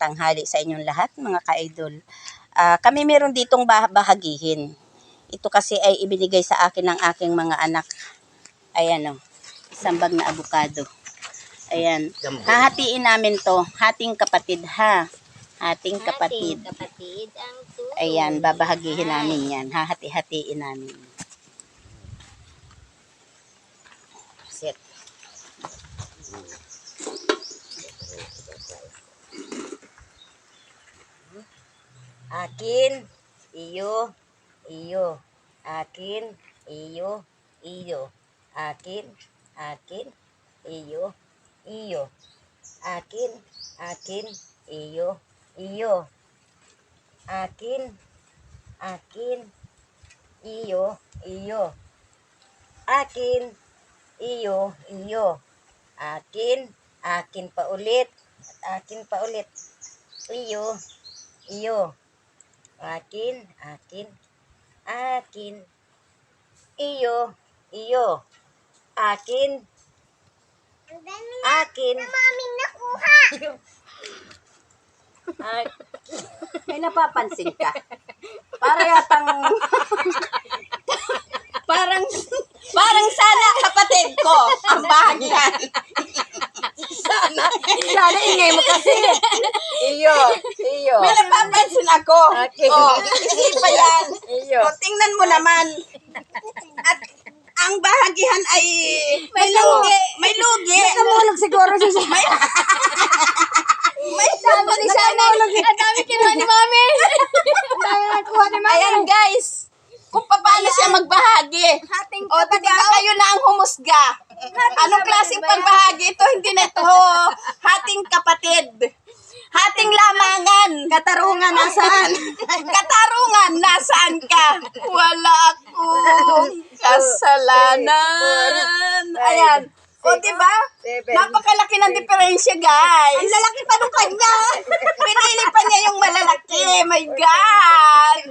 tanghali sa inyong lahat, mga ka-idol. Kami meron ditong bahagihin. Ito kasi ay ibinigay sa akin ng aking mga anak. Ayan o, isang bag na avocado. Ayan, hahatiin namin to, hating kapatid ha. Hating kapatid. Ayan, babahagihin namin yan, hahati-hatiin namin. Set. Akin, iyo, iyo. Akin, iyo, iyo. Akin, iyo, iyo. Akin, iyo, iyo. Akin, iyo, iyo. Akin, iyo, iyo. Akin pa ulit. Akin pa ulit. Iyo, iyo. Akin, iyo, iyo. Akin, Maming nakuha. may napapansin ka. Para yatang parang sana kapatid ko ang bahagian. Sana ingay mo kasi. Iyo. May napapansin ako. Okay. Isipa yan. Iyo. Tingnan mo naman. At ang bahagihan ay may lugi. May lugi. Namulog siguro siya. May sabi ni sana. Ang dami kinuha ni Mami. Ang dami nakuha ni Mami. Ayan guys, kung paano siya magbahagi. O diba kayo na ang humusga. Anong klaseng pagbahagi ito? Hindi na ito hating kapatid. Hating lamangan. Katarungan nasaan? Katarungan nasaan ka? Wala akong kasalanan. Ayan. O diba? Napakalaki ng diferensya guys. Ang lalaki pa nung kanya. Pinili pa niya yung malalaki. My God.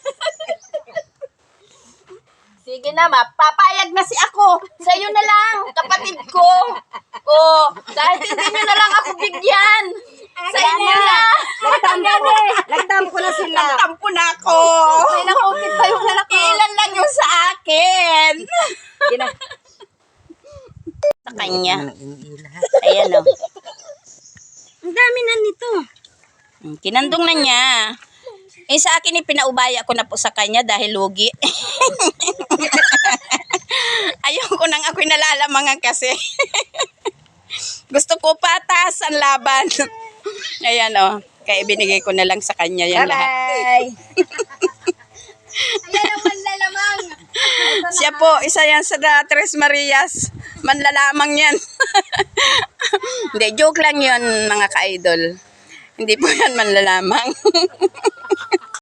Sige na, papayag na si ako. Sa'yo na lang, kapatid ko. Dahil hindi nyo na lang ako bigyan. Sa inyo na. Nagtampo na sila. Nagtampo na ako. May nakupit pa yung lalaki. Ilan lang yung sa akin. Sa kanya. Ayan o. Ang dami na nito. Kinandong na niya. Sa akin pinaubaya ko na po sa kanya dahil lugi. Ayoko nang ako'y nalalamangan kasi. Gusto ko patas ang laban. Ayan o. Kaya binigay ko na lang sa kanya yan lahat. Ayan ang manlalamang. Siya po, isa yan sa Tres Marias. Manlalamang yan. Hindi, joke lang yun mga ka-idol. Hindi po yan manlalamang.